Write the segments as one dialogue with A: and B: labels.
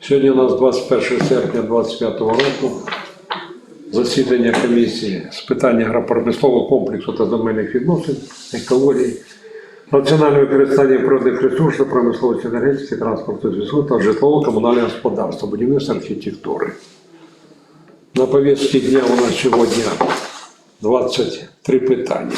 A: Сьогодні у нас 21 серпня 2025 року. Засідання комісії з питань агропромислового комплексу та земельних відносин, екології, раціонального використання природних ресурсів, промисловості, енергетики, транспорту, зв'язку та житлово-комунального господарства, будівництва, архітектури. На повістці дня у нас сьогодні 23 питання.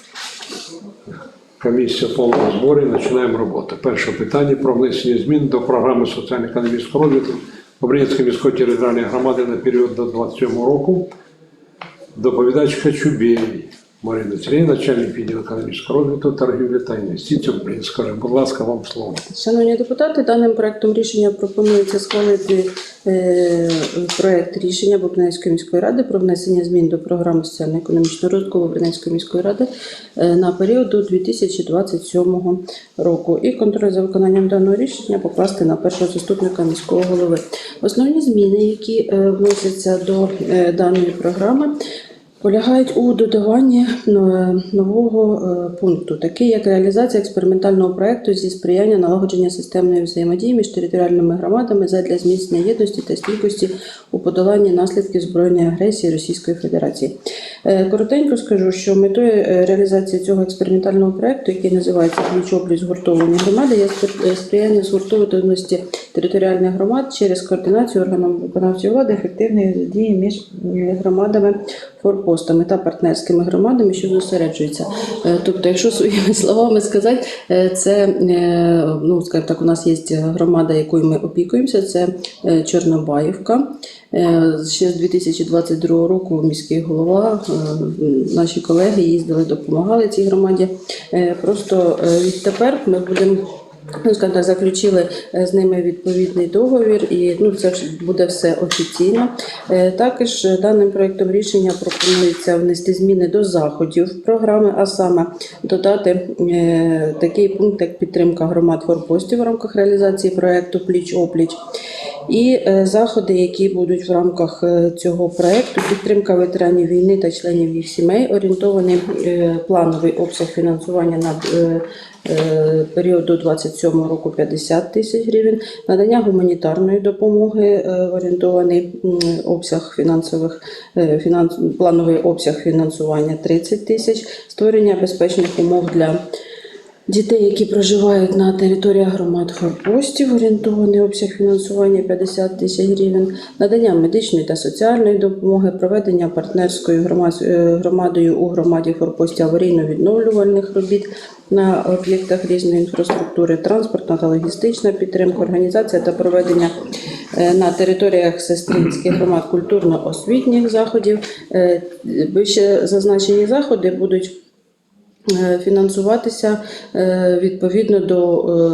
A: Комісія в повному зборі, починаємо роботу. Перше питання про внесення змін до програми соціально-економічного розвитку Обринецької міської територіальної громади на період до 27 року. Доповідач Качубєй Марина Сергіївна, начальник відділу економічного розвитку, торгівлі та інвестицій Обринецької. Будь ласка, вам слово.
B: Шановні депутати, даним проектом рішення пропонується схвалити проект рішення Обринецької міської ради про внесення змін до програми соціально-економічного розвитку Обринецької міської ради на період до 2027 року. І контроль за виконанням даного рішення покласти на першого заступника міського голови. Основні зміни, які вносяться до даної програми, полягають у додаванні нового пункту, такий як реалізація експериментального проєкту зі сприяння налагодження системної взаємодії між територіальними громадами задля зміцнення єдності та стійкості у подоланні наслідків збройної агресії Російської Федерації. Коротенько скажу, що метою реалізації цього експериментального проєкту, який називається «Пліч-опліч згуртовані громади», є сприяння згуртованості територіальних громад через координацію органів виконавчої влади, ефективної дії між громадами, форпостами та партнерськими громадами, що зосереджуються. Тобто, якщо своїми словами сказати, це, скажімо так, у нас є громада, якою ми опікуємося, це Чорнобаївка. Ще з 2022 року міський голова, наші колеги їздили, допомагали цій громаді. Просто відтепер ми будемо, скажімо так, заключили з ними відповідний договір, і це буде все офіційно. Також даним проєктом рішення пропонується внести зміни до заходів програми, а саме додати такий пункт, як підтримка громад форпостів в рамках реалізації проєкту «Пліч-опліч». І заходи, які будуть в рамках цього проєкту: підтримка ветеранів війни та членів їх сімей, орієнтований плановий обсяг фінансування на період до 27 року 50 тисяч гривень, надання гуманітарної допомоги, орієнтований обсяг плановий обсяг фінансування 30 тисяч, створення безпечних умов для дітей, які проживають на територіях громад форпостів, орієнтований обсяг фінансування 50 тисяч гривень, надання медичної та соціальної допомоги, проведення партнерською громадою у громаді форпостів аварійно-відновлювальних робіт на об'єктах різної інфраструктури, транспортна та логістична підтримка, організація та проведення на територіях сестринських громад культурно-освітніх заходів. Вище зазначені заходи будуть фінансуватися відповідно до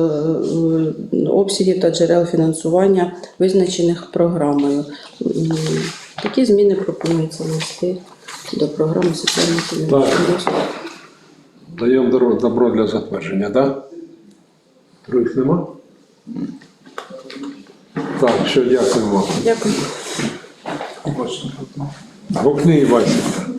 B: обсягів та джерел фінансування, визначених програмою. Такі зміни пропонується внести до програми соціально-економічного розвитку.
A: Даємо добро для затвердження, так? Других нема? Так, все, дякуємо.
B: Дякую.
A: Гукни і Васенька.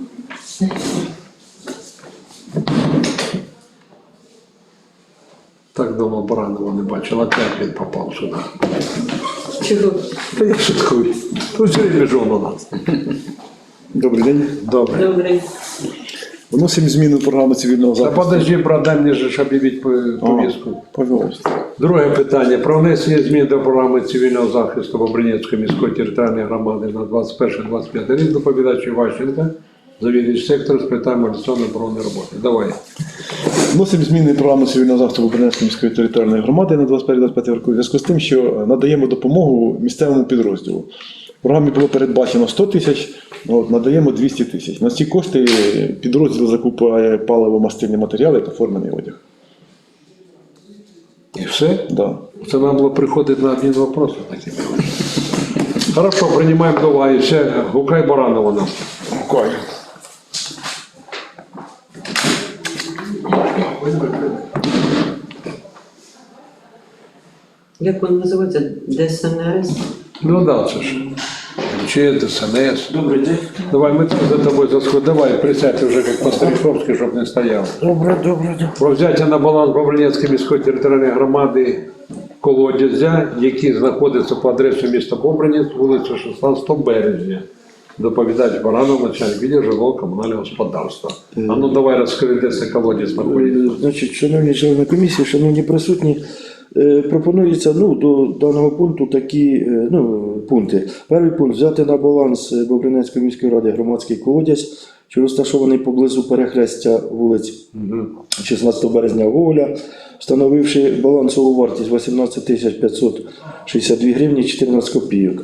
A: Так давно Баранова не бачила, опять він попав сюди.
B: Чого?
A: Та я шуткую. Тут все время жон у нас.
C: Добрий день.
A: Добре.
B: Добре.
C: Вносимо зміни в програму цивільного
A: Та
C: захисту.
A: подожди, брат, дай мені же об'явити повістку.
C: Пожалуйста.
A: Друге питання. Про внесення змін до програми цивільного захисту Обринецької міської територіальної громади на 21-25 рік. Доповідач Іващенко, завідувач сектору з питань мобілізаційної оборонної роботи. Давай.
C: Вносимо зміни в програму цивільного захисту Обринецької міської територіальної громади на 21-25 року у зв'язку з тим, що надаємо допомогу місцевому підрозділу. В програмі було передбачено 100 тисяч, надаємо 200 тисяч. На ці кошти підрозділ закупує паливо-мастильні матеріали та формений одяг.
A: І все?
C: Да.
A: Це нам було приходити на один вопрос. Хорошо, приймаємо до уваги. Все, гукай Баранова нас.
C: Гукай.
D: Як він називається? ДСНС?
A: Ну да, це ж. Чи ДСНС.
D: Добрий день.
A: Давай, ми за тобою засходимо. Давай, присядьте вже як по-старіковськи, щоб не стояв.
D: Добре.
A: Про взяття на баланс Бобринецької міської територіальної громади колодязя, які знаходяться по адресі міста Бобринець, вулиця 16 березня. Доповідач Баранов, начальник відділу житлово-комунального господарства. А ну давай розкажи, де це колодязь знаходиться.
E: Значить, шановні члени комісії, шановні присутні, пропонується до даного пункту такі пункти. Перший пункт – взяти на баланс Бобринецької міської ради громадський колодязь, що розташований поблизу перехрестя вулиць 16 березня Гоголя, встановивши балансову вартість 18 562 гривні 14 копійок.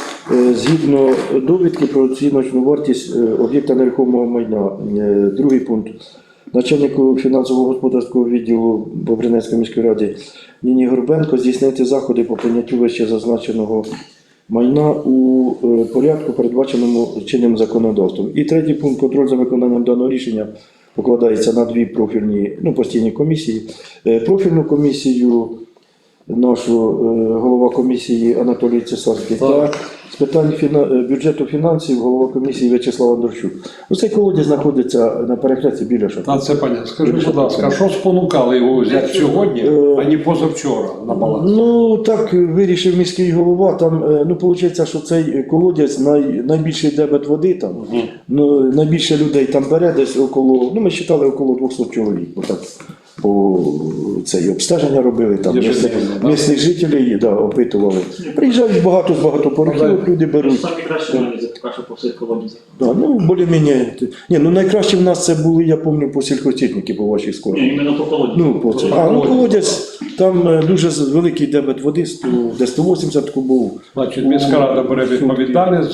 E: Згідно довідки про оціночну вартість об'єкта нерухомого майна. Другий пункт. Начальнику фінансово-господарського відділу Бобринецької міської ради Ніні Горбенко здійснити заходи по прийняттю вище зазначеного майна у порядку, передбаченому чинним законодавством. І третій пункт. Контроль за виконанням даного рішення покладається на дві профільні постійні комісії. Профільну комісію нашу голова комісії Анатолій Цесарський та з питань бюджету фінансів голова комісії В'ячеслав Андрощук. Цей колодязь знаходиться на перехресті біля шахти.
A: Це понятно. Скажи, будь ласка, що спонукало його взяти сьогодні, а не позавчора на баланс?
E: Так вирішив міський голова. Там, виходить, що цей колодязь найбільший дебет води там, найбільше людей там бере десь около, ми вважали около 200 чоловік. Отак. По цей обстеження робили, там місцеві жителі опитували. Приїжджають багато з багатоповерхівок, люди беруть.
F: Самі кращі аналізи поки що по всіх колодязях.
E: Більш-менш. Найкраще в нас це були, я пам'ятаю, по сільхозтехніки, по вашій школі.
F: Іменно по колодязях.
E: Колодязь, там дуже великий дебет води, де 180 кубов.
A: Значить, міська рада бере відповідальність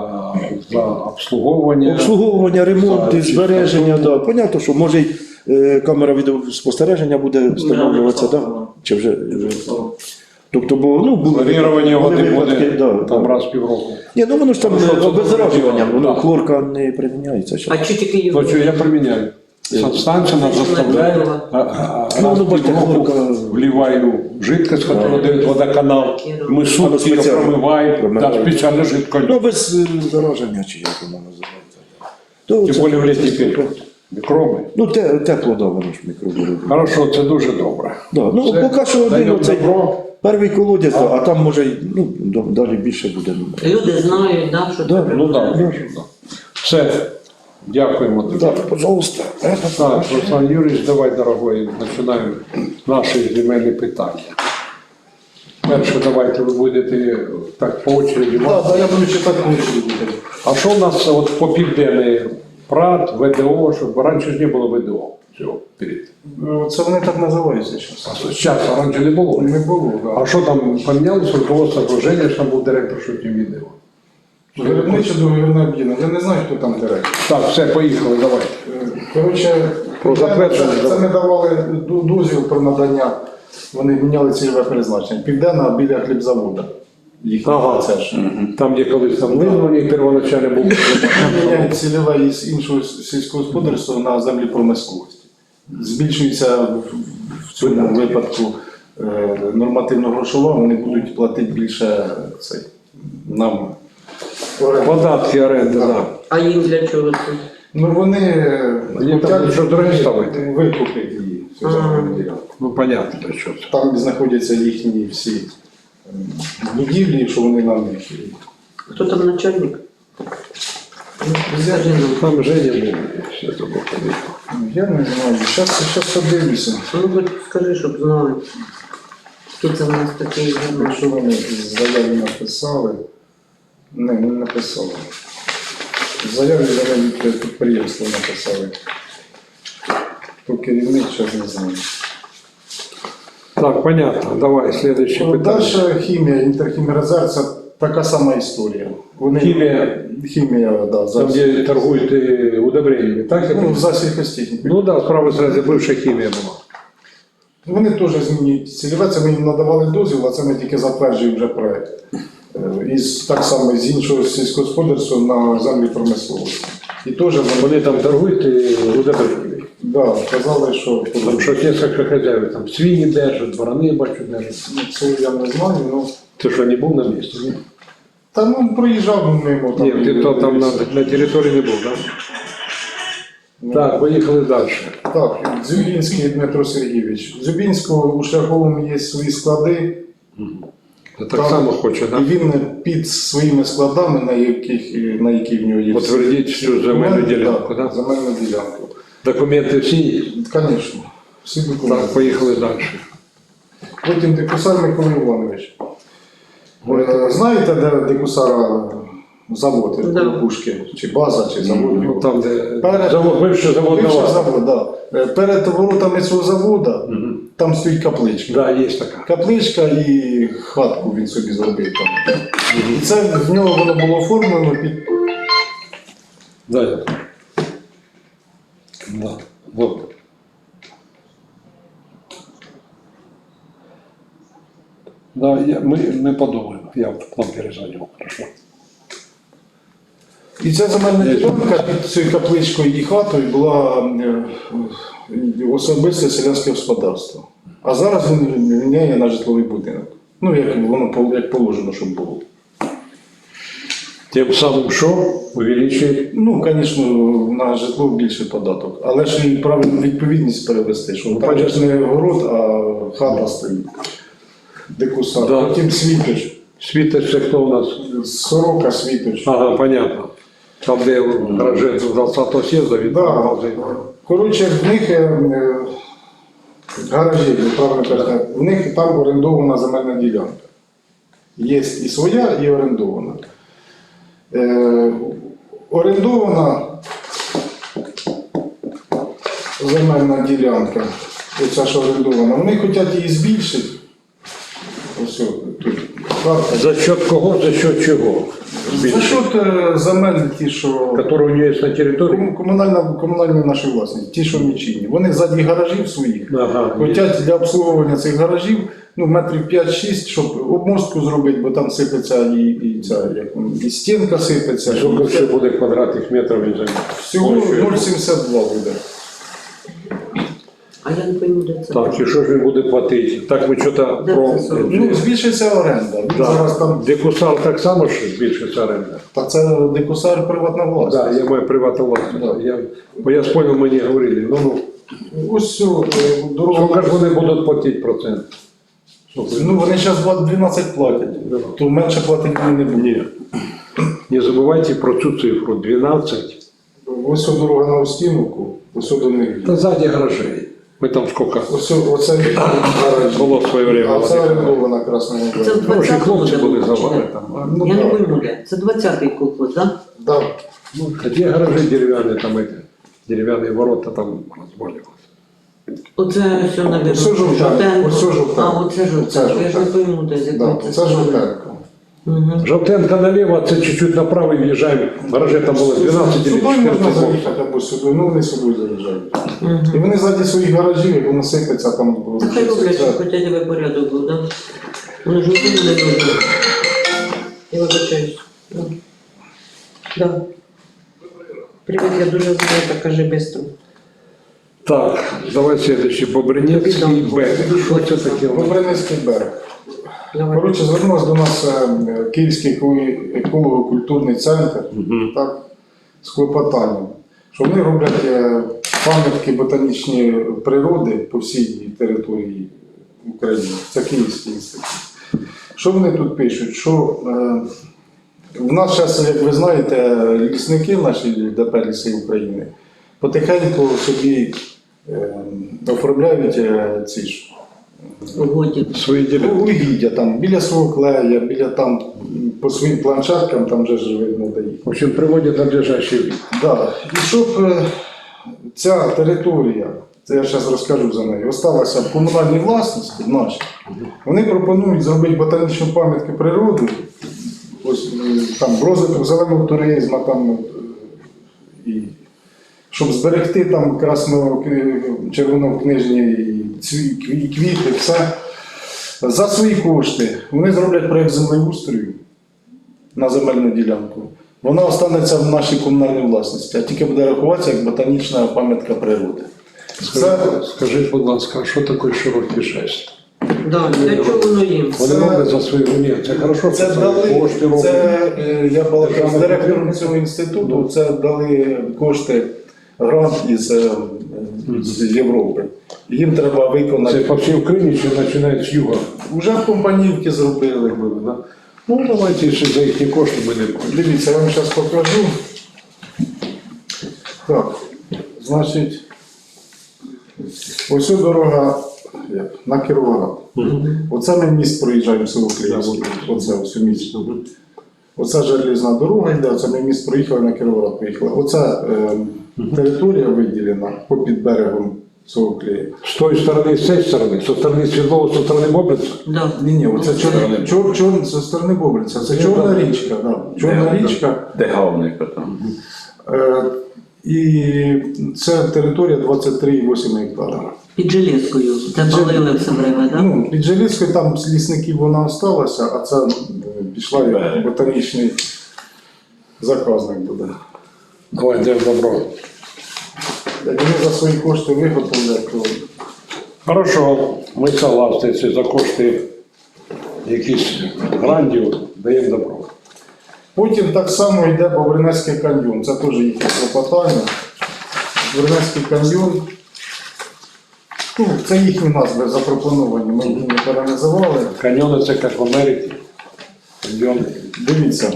A: за обслуговування.
E: Обслуговування, ремонт, збереження, Понятно, що може камера відеоспостереження буде встановлюватися, чи вже. Тобто,
A: Планування води буде там раз в півроку.
E: Воно ж там обеззаражування, хлорка не приміняється.
D: А чи тільки його?
A: Я приміняю. Станція нас заставляє, раз в півроку вливаю жидкость, яку дає водоканал, ми сутки її промиваємо, спеціально жидкою.
E: Без зараження, чи як воно називається.
A: Тим більше в літній період. Мікроби.
E: Тепло, воно ж мікроби.
A: Хорошо, це дуже добре.
E: Поки що один оцей перший колодязь, а там може далі більше буде.
D: Люди знають, що треба.
A: Все. Дякуємо тобі.
E: Пожалуйста.
A: Так, Руслан Юрійович, давай, дорогой, починаємо наші земельні питання. Перше, давайте ви будете так по очереді.
C: Я буду читати по очереді.
A: А що у нас по південний ПРАТ, ВДО, щоб раніше ж не було ВДО цього перед?
C: Це вони так називаються зараз.
A: Зараз, а раніше не було?
C: Не було, так.
A: А що там помінялося? Руководство окруження, що там був директор, що тим відео?
C: Виробниче договірне об'єднання. Я не знаю, хто там директор.
A: Так, все, поїхали, давай. Про затвердження.
C: Це не давали дозвіл про надання. Вони міняли цільове призначення. Південна біля хлібзаводу. Це ж.
A: Там, де колись там визвані, первоначально був.
C: Міняють цільове із іншого сільського господарства на землі промисловості. Збільшується в цьому випадку нормативно-грошова, вони будуть платити більше нам.
A: Податки, оренди, так.
D: А їм для чого це?
C: Вони
A: там що дорогі ставити.
C: викупити її. Цю земельну ділянку.
A: Ну, понятно, для чого це.
C: Там знаходяться їхні всі будівлі, що вони нам їх.
D: Хто там начальник? Скажи нам.
A: Там Женя був, все це було.
C: Я не знаю, зараз подивлюся.
D: Хоч скажи, щоб знали. Хто це в нас такий?
C: Якщо вони заяві написали, не написали. Заяві від підприємства написали. Хто керівник, зараз не знаю.
A: Так, понятно. Давай, следующее питання.
C: Дальше хімія, інтерхімерезер, це така сама історія. Вони, хімія, да,
A: Там, де торгують удобреннями, так?
C: за сільхозтехніку.
A: Ну так, справа зразу бивша хімія була.
C: Вони теж змінюють цільове, це ми їм надавали дозвіл, а це ми тільки затверджуємо вже проєкт. Так само з іншого сільськогосподарства на землі промисловості. І теж
A: Вони там торгують удобреннями.
C: да, казали, що
A: Там щось кілька хазяїв, там свині держать, дворони, бачу, держать.
C: це я не знаю, ну.
A: Ти що, не був на місці? Ні?
C: Та проїжджав мимо.
A: Ні, ти то там на території не був, так? Так, поїхали далі.
C: Так, Дзюбінський Дмитро Сергійович. В Дзюбінського у Шляховому є свої склади,
A: Це так само хоче,
G: І
A: так?
G: він під своїми складами, на які в нього є.
A: Потвердіть всю земельну ділянку,
G: так?
A: так?
G: Земельну ділянку.
A: Документи всі є?
G: Звісно, всі документи.
A: Так, поїхали далі.
G: Потім Дикусар Микола Іванович. Знаєте, де Дикусара завод,
D: Да.
G: Пушки, чи база, чи завод?
A: Ну, там, де
G: Перед-
A: бивший завод
G: Бивший
A: «Навар».
G: завод, да. Перед воротами цього заводу там стоїть капличка.
A: Да, є така.
G: Капличка і хатку він собі зробив там. І це в нього воно було оформлено під.
A: Да, я так. Да. Вот. Да, мы подумаем. Я к вам перезвоню. Хорошо.
G: І ця земельна ділянка під цією капличкою і хатою була особисте селянське господарство. А зараз він міняє на житловий будинок. Ну, як воно як положено, щоб було.
A: Тим самим, що увеличує.
G: Ну, звісно, на житло більший податок. Але ж і правильну відповідність перевести, що там же ж не город, а хата стоїть. Дикусар.
A: Да.
G: Потім Світоч.
A: Світоч, це хто у нас?
G: Сорока Світоч.
A: Ага, понятно. Там, де гаражі з 20-го съезда, він
G: Да.
A: магазин.
G: Коротше, в них гаражі, ви правильно кажете, в них там орендована земельна ділянка. Є і своя, і орендована. Орендована земельна ділянка, оця що орендована, вони хочуть її збільшити. Ось тут карта.
A: За счет кого, за счет чого?
G: За счет земель ті, що
A: Которые у нее есть на территории?
G: комунальна наша власність, ті, що нічийні. Вони ззаді гаражів своїх.
A: Ага.
G: Хотять для обслуговування цих гаражів метрів 5-6, щоб обмостку зробити, бо там сипеться і стінка сипеться.
A: Сколько ще буде квадратних метрів він займає?
G: Всього 0,72 буде.
D: А я не пойму, де це.
A: Так, і що ж він буде платити? Так ми що-то
D: Де
A: про...
D: це сорок?
G: Ну, збільшиться оренда. Він зараз там,
A: Дикусар так само, що збільшиться оренда?
G: та це Дикусар приватна власність.
A: Так, я маю приватну власність. Бо я спонял, мені говорили,
G: Ось цю дорогу.
A: сколько ж вони будуть платити процент?
G: Ну, вони зараз 12 платять, то менше платити вони не будуть.
A: Ні. Не забувайте про цю цифру, 12.
G: Ось ця дорога на Устіновку, ось до них.
A: Та ззаді гаражей. Ми там скільки
G: Оце гараж.
A: було в своє время.
G: А це орендована Красна
D: Це в
G: Вода.
A: Хороші
D: 20-му
A: хлопці були
D: году,
A: завали
D: чи
A: там.
G: Ну,
D: Я не
G: да.
D: пойму, де. Це 20-й колхоз, так?
G: Да.
A: Ну, где гаражи деревянные, там эти, деревянные ворота там разболелось.
D: Оце все, навіть.
G: Оце жовтенько, оце жовтенько.
D: А, оце жовтенько. Я ж не пойму, де, з
G: Да,
D: якої
G: це Жовтенко.
D: Угу.
A: Желтенко налево, це чуть-чуть направо и въезжаем. Гаражи там было 12 или
G: Сюди можна
A: 14
G: заїхати або сюди, ну вони сюди заїжджають. І вони ззаді своїх гаражів, як воно сипеться там.
D: Та хай роблять, що хочуть, аби порядок був, так? Вони ж нікому не нужні. Я вибачаюсь. Да. Привіт, я дуже зайнята, кажи швидко.
A: Так, давай следующий. Бобринецкий Б. Що це таке?
G: Бобринецький берег.
D: Давай.
G: Коротше, звернувся до нас Київський еколого-культурний центр, так, з клопотанням, що вони роблять пам'ятки ботанічної природи по всій території України. Це Київський інститут. Що вони тут пишуть? Що в нас зараз, як ви знаєте, лісники наші ДП «Ліси України потихеньку собі оформляють ці ж
D: Угоді.
A: Свої ділянки.
G: угіддя там, біля свого клея, біля там, по своїм планшеткам, там вже ж видно де їх.
A: В общем, приводять надлежащий вид.
G: Да. І щоб ця територія, це я зараз розкажу за неї, осталася в комунальній власності нашій, вони пропонують зробити ботанічну пам'ятку природи, ось там розвиток зеленого туризму, там, і щоб зберегти там червонокнижні квіти, все. За свої кошти вони зроблять проєкт землеустрою на земельну ділянку. Вона останеться в нашій комунальній власності, а тільки буде рахуватися як ботанічна пам'ятка природи.
A: Скажіть, будь ласка, а що таке широкий жест?
D: Да, для чого воно їм?
A: Вони роблять за свої ні, це хорошо,
G: Це
A: що
G: дали,
A: кошти роблять.
G: я балакав з директором цього інституту, це дали кошти, грант із з Європи. Їм треба
A: Це
G: виконати.
A: по всій Україні чи починають з юга?
G: Вже в компанівки зробили.
A: Да? Ну, давайте ще за їхні кошти ми не будемо.
G: Дивіться, я вам зараз покажу. Так, значить, ось ця дорога на Кіровоград. Оце ми міст проїжджаємо село Київське. Оце ось міст. Оце железна дорога йде, оце ми міст проїхали, на Кіровоград поїхали. Оце територія виділена попід берегом село Клея.
A: З тої сторони, з цієї сторони, з сторони Світлова, з сторони Бобриця.
D: Да.
G: Ні, оце зі сторони Бобриця, це Чорна річка. Да. Чорна річка.
H: Де Гавника там?
G: І це територія 23,8 гектара.
D: Під Железкою. Це палили все время, так?
G: Ну, під Желізкою там з лісників вона залишилася, а це пішла як ботанічний заказник буде.
A: Давай, де добро.
G: Як вони за свої кошти виготовлять, то
A: Хорошо, ми согласні, це за кошти якісь грандів даємо добро.
G: потім так само йде Бобринецький каньйон. Це теж їхнє клопотання. Бобринецький каньйон. Ну, це їхні назви запропоновані, ми їх не переназивали.
A: Каньйони це як в Америці. Каньйони.
G: Дивіться.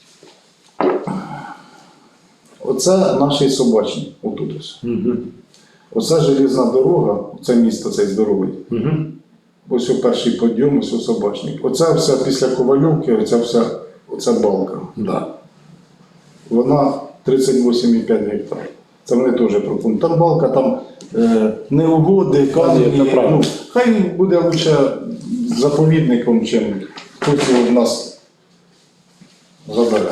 G: Оце наш собачник, отут ось. Оце железна дорога, це місто цей здоровий. Ось у перший підйом, ось у собачник. Оце все після Ковальовки, оця балка.
A: Да.
G: Вона 38,5 гектар. Це вони теж пропонують. Там балка, там неугоди, камні.
A: Ні, це правда.
G: Ну, хай буде лучше заповідником, чим хтось його в нас забере.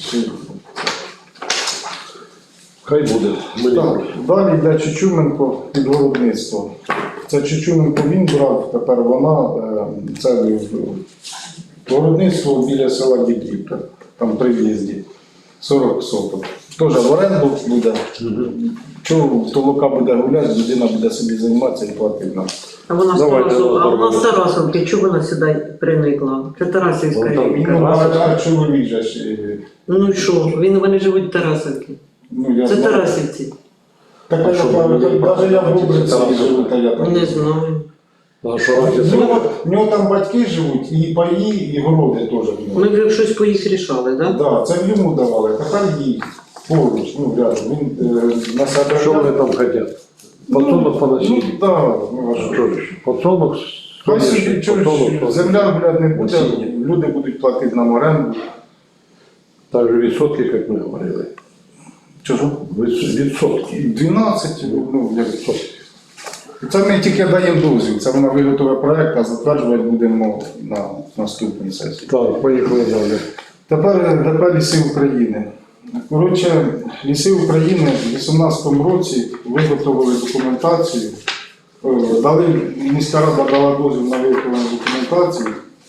A: Хай буде. Ми не
G: Так,
A: проти.
G: далі йде Чучуменко під виробництво. Це Чучуменко він брав, тепер вона, це виробництво біля села Дібрівка, там при в'їзді, 40 соток. Теж в оренду буде. Чого толока буде гуляти, людина буде собі займатися і платити нам.
D: А вона з
A: Давайте,
D: Тарасовки, а вона з
A: давайте.
D: Тарасовки, чого вона сюди приникла? Це Тарасівська
A: Ну, там,
D: річка.
G: А чоловік же ж,
D: Ну і що? Вони живуть в Тарасовці.
G: ну я
D: Це
G: знаю.
D: Тарасівці.
G: Так, а що, навіть я в Бобриці живу, та я там.
D: Не знаю.
A: А що разниця?
G: В нього там батьки живуть, і паї, і городи теж в нього.
D: Ми вже щось по їх рішали, так?
G: Так, це йому давали, тепер їй поруч, ну рядом. Він на себе.
A: Що вони там хочуть? Подсолнух поносити?
G: Ну так, ну а що?
A: Що ж? Подсолнух?
G: Хай собі
A: Подсолнух,
G: чогось, земля, блядь, не буде,
A: Насіння.
G: люди будуть платити нам оренду.
A: Так же відсотки, як ми говорили.
G: Чого?
A: Відсотки.
G: 12, ну як. Це ми тільки даємо дозвіл, це вона виготовить проєкт, а затверджувати будемо на наступній сесії.
A: Так, поїхали далі.
G: Тепер ліси України. Коротше, ліси України в 2018 році виготовили документацію, міська рада дала дозвіл на виготовлення документації.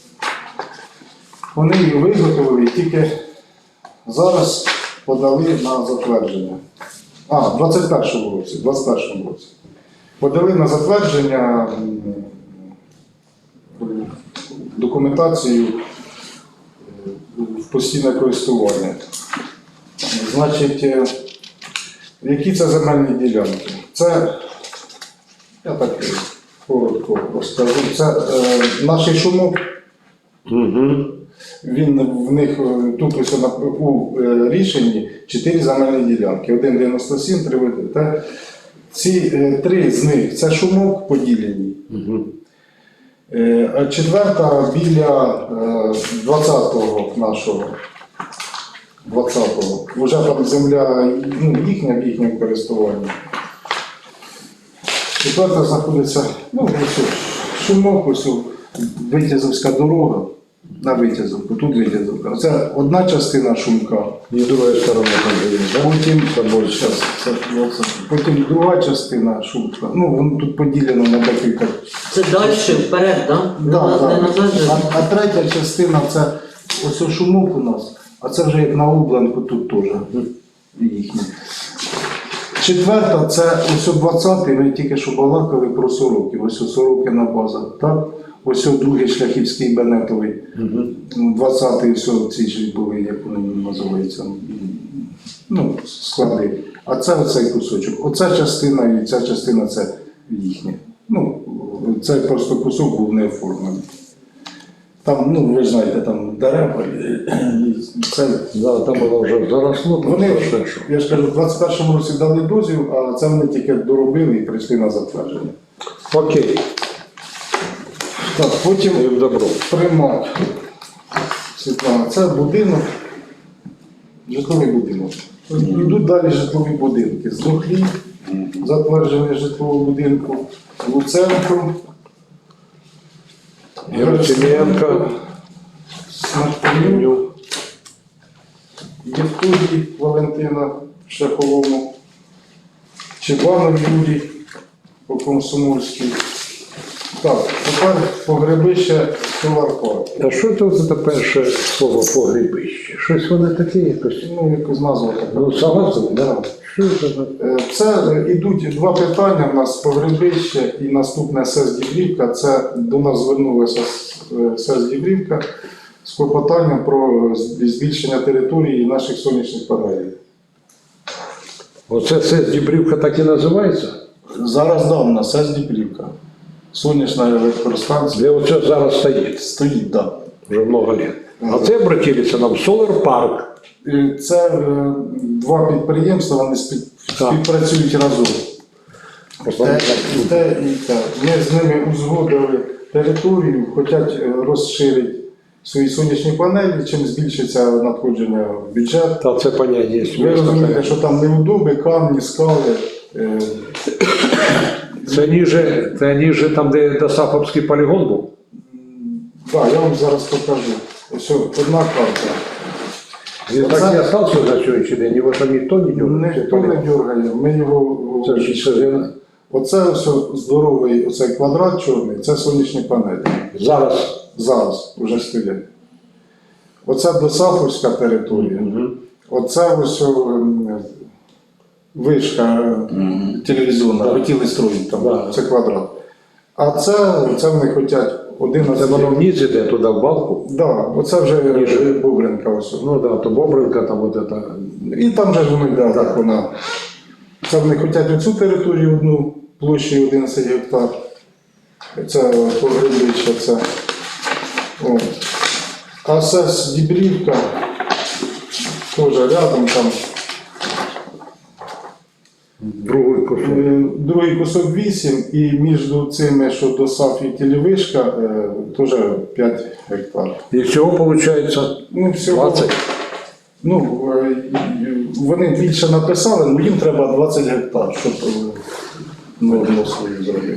G: Вони її виготовили і тільки зараз подали на затвердження. В 21-му році. Подали на затвердження документацію в постійне користування. Значить, які це земельні ділянки? Це, я так коротко розкажу, це наш шумок. Він в них тут ось у рішенні 4 земельні ділянки. 1,97, 3. Ці 3 з них це шумок поділені. А 4 біля 20-го нашого. 20-го. Вже там земля їхня в їхньому користуванні. 4 знаходиться, ось шумок, ось Витязовська дорога. На Витязовку, тут Витязовка. Це одна частина шумка.
A: І друга сторона там є, так?
G: Потім друга частина шумка. Воно тут поділено на декілька.
D: Це далі, вперед, так? Не назад же.
G: А третя частина це ось шумок у нас, а це вже як на Обленку тут теж їхні. 4 це ось 20-й, ми тільки що балакали про Сороків, ось Сорокина база, так? Ось другий Шляхівський Бенетовий, 20-й, все ці ж були, як вони називаються, склади. А це оцей кусочок. Оця частина і ця частина це їхня. Ну, це просто кусок був не оформлений. Там, ну, ви знаєте, там дерева, і це.
A: Да, там воно вже заросло, там
G: Вони,
A: все, що.
G: я ж кажу, в 21-му році дали дозвіл, а це вони тільки доробили і прийшли на затвердження.
A: Окей,
G: Так, потім
A: їм добро.
G: Примат. Світлана, це будинок, житловий будинок. Йдуть далі житлові будинки. Здохлі, затвердження житлового будинку, Луценко,
A: Герасименко,
G: Смертню, Євтудій Валентина в Шляховому, Чебанов Юрій по Комсомольській. Так, тепер погребище Соларпарк.
A: а що це за перше слово погрібище? Щось воно таке якось.
G: Ну, якось назва така.
A: Ну, согласен, да? Що це за?
G: Це йдуть два питання в нас погребище і наступне СЕС Дібрівка. Це до нас звернулася СЕС Дібрівка з клопотанням про збільшення території наших сонячних панелей.
A: Оце СЕС Дібрівка так і називається?
G: Зараз да, у нас СЕС Дібрівка. Сонячна електростанція
A: Де оце зараз стоїть?
G: стоїть, да.
A: Вже много лет. А це обратилися нам Solar Park.
G: Це два підприємства, вони співпрацюють разом.
A: Просто
G: Те,
A: так,
G: і те, і те. Ми з ними узгодили територію, хочуть розширити свої сонячні панелі, чим збільшиться надходження в бюджет.
A: Та це поняття є.
G: Ви розумієте, що там неудоби, камні, скали.
A: Це ніже там, де Досаповський полігон був?
G: Так, я вам зараз покажу. Ось одна карта.
A: Він так і остався на сьогоднішній день, його там ніхто не дергає.
G: Ніхто не дергає. Ми його.
A: Це ж
G: Оце ось здоровий оцей квадрат чорний, це сонячні панелі. Зараз вже стоять. Оце Досаповська територія. Оце ось вишка телевізійна, хотіли строїти там,
A: Да.
G: це квадрат. А це вони хочуть 11.
A: Це воно вниз іде туди в балку.
G: Да, оце вже
A: Ніже.
G: Бобринка ось.
A: Ну так, да, то Бобринка, там от це.
G: І там же ж воно йде, так вона. Це вони хочуть оцю територію одну площею 11 гектар. Це погребище, це. От. А СЕС Дібрівка теж рядом там. Другий кусок 8 і між цими, що до САФ і Телевишка, теж 5 гектар.
A: І всього виходить
G: Ну, всього,
A: 20.
G: ну, вони більше написали, але їм треба 20 гектар, щоб норму свою зробити.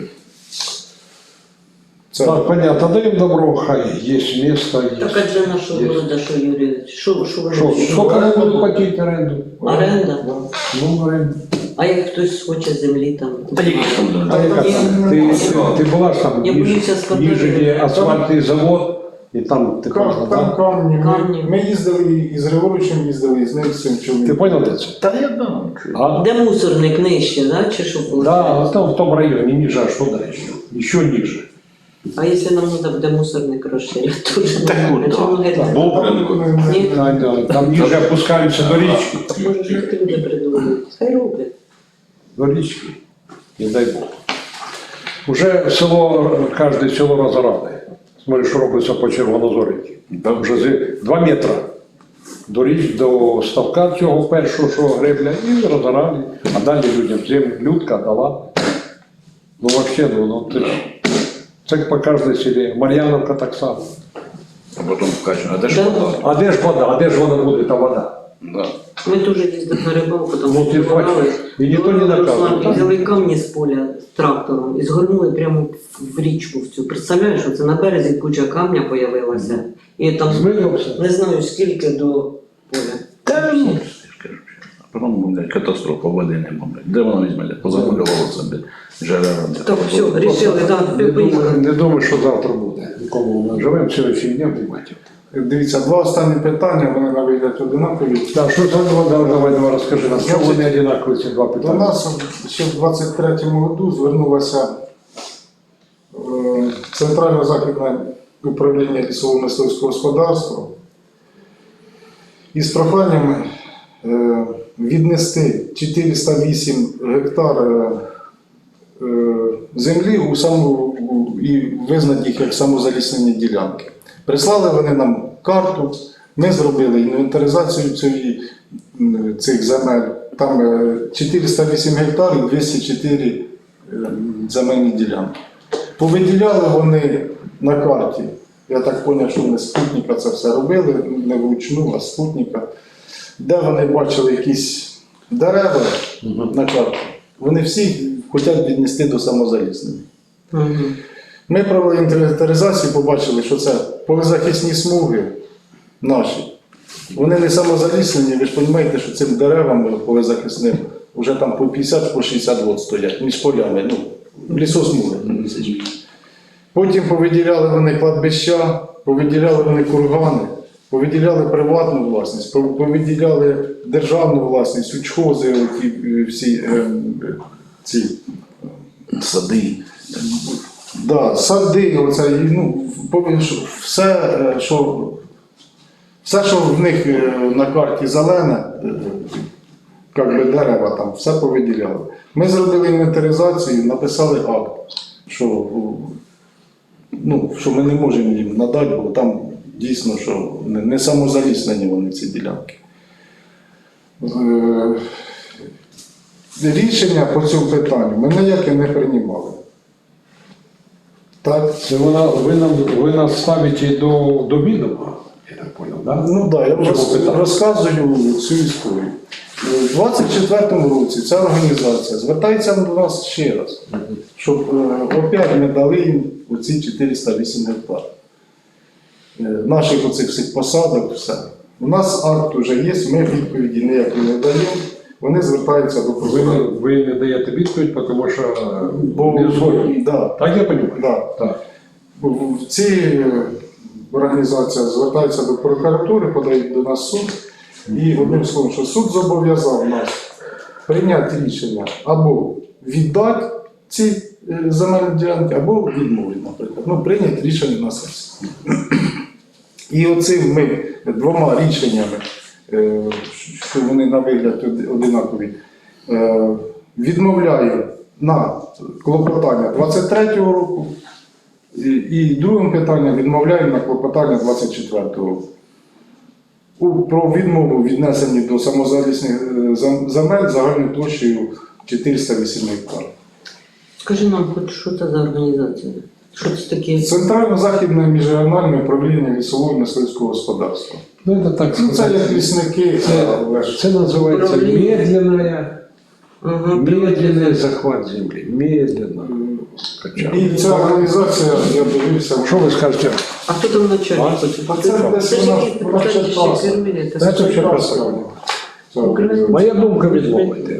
G: Це
A: Так, понятно, даємо добро, хай є місто.
D: Так а для нашого города, що Юрій, що вони?
A: Скільки вони будуть платити оренду?
D: Оренда?
A: Ну, оренду.
D: А як хтось хоче землі там?
A: А яка там? Ти була ж там
D: Я боюся сказати.
A: ніже, де асфальтний завод, і там ти
G: там
A: можна, так?
G: камні.
D: Камні.
G: Ми їздили і з Григоровичем їздили, і з ним з цим
A: Ти
G: чоловіком.
A: понял, де це?
F: Та я знаю.
A: А?
D: Де мусорник нижче, да? Чи що виходить?
A: Да, там в тому районі, ниже, а що далі? Ще ниже.
D: А якщо нам треба буде мусорник розширити, то вже
F: Так,
D: а
F: от,
D: чому
F: так.
D: геть?
F: Бобринку.
D: Ні?
A: Там ниже опускаються до річки.
D: Може ж не люди придумали. Хай роблять.
A: До річки. Не дай Бог. Уже село, кожне село розорали. Смотри, що робиться по Червонозорівці. Там вже 2 метри до ставка цього першого, що гребля, і розорали. А далі людям землю, людка дала. Ну взагалі, ну ти ж. Це по кожній селі. Мар'яновка так само.
F: А потім вкачу, а де ж
D: Да.
F: вода?
A: А де ж вода? А де ж вона буде, та вода?
F: Да.
D: Ми теж їздили на рибалку, там
A: Ну, ти бачиш, і ніхто не наказує.
D: І взяли камні з поля з трактором і згорнули прямо в річку в цю. Представляєш, що це на березі куча камня появилася. І там
A: Змивався.
D: не знаю скільки до поля.
F: Та ну, я ж кажу, а потім, блядь, катастрофа, води нема, блядь. Де вона візьме, блядь, позакульовувало це, блядь, жерела.
D: Так, все, рішили, так, поїхали.
A: Не думаю, що завтра буде. Нікому ми живемо сьогодні днем, приймати.
G: Дивіться, два останні питання, вони на вигляд одинакові.
A: Так, що це давай розкажи нам, чому вони одинакові ці два
G: До
A: питання?
G: нас ще в 23-му году звернулося Центрально-Західне управління лісово-мисливського господарства із проханнями віднести 408 гектар землі і визнати їх як самозаліснені ділянки. Прислали вони нам карту, ми зробили інвентаризацію цих земель. Там 408 гектарів, 204 земельні ділянки. Повиділяли вони на карті. Я так зрозумів, що вони з спутника це все робили, не вручну, а з спутника. Де вони бачили якісь дерева на карті, вони всі хочуть віднести до самозаліснення. Ми провели інвентаризацію, побачили, що це полезахисні смуги наші. Вони не самозаліснені, ви ж розумієте, що цим деревам полезахисним вже там по 50, по 60 років стоять між полями, лісосмуги. Потім повиділяли вони кладбища, повиділяли вони кургани, повиділяли приватну власність, повиділяли державну власність, учхози, всі ці
F: Сади.
G: да, сади, оце, все, що в них на карті зелене, як би дерева там, все повиділяли. Ми зробили інвентаризацію, написали акт, що ми не можемо їм надати, бо там дійсно, що не самозаліснені вони ці ділянки. Рішення по цьому питанню ми ніяке не приймали. Так?
A: Це ви нас ставите до відома, я так понял, да?
G: Ну так, я
A: Чому питання?
G: розказую цю історію. У 24-му році ця організація звертається до нас ще раз, щоб опять ми дали їм оці 408 гектар. Наших оцих всіх посадок, все. У нас акт вже є, ми відповіді ніякі не даємо, вони звертаються до прокурора.
A: Ви не даєте відповідь, тому що
G: Бо,
A: не згодні.
G: да,
A: Так я розумію?
G: да.
A: Так.
G: В цій організація звертається до прокуратури, подають до нас суд. І одним словом, що суд зобов'язав нас прийняти рішення або віддати ці земельні ділянки, або відмовити, наприклад. Прийняти рішення на сесії. І оцим ми двома рішеннями, що вони на вигляд одинакові, відмовляю на клопотання 23-го року, і другим питанням відмовляю на клопотання 24-го року. Про відмову віднесені до самозалісних земель загальною площею 408 гектарів.
D: Скажи нам, хоч що це за організація? Що це таке?
G: Центрально-західне міжрегіональне управління лісового мисливського господарства.
A: Ну, це так
G: Це
A: сказати.
G: як лісники, але ж
A: Це називається
D: Управління.
A: медленний захват землі. Медленно.
G: і ця організація, я дивився,
A: Що ви скажете?
D: А хто там начальник?
G: а це десь
D: Це ж
G: вона
D: якісь депутатські
G: читалася.
D: керівники.
A: Це все
G: Читалася.
A: Моя думка відмовити.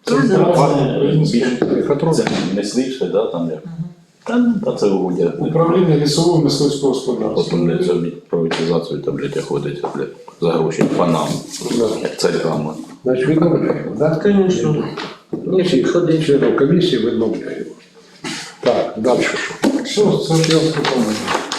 F: Це мисливське, да, там як? Та це угодя.
G: Управління лісового мисливського господарства.
F: Потім не зробіть приватизацію, та, блядь, ходить, блядь, за гроші панам, царьками.
A: Значить, відмовляємо, так?
D: Звісно. Ні,
A: Всіх
D: підходить.
A: членів комісії відмовляємо. Так, далі що?
G: Що, це ж я сказав.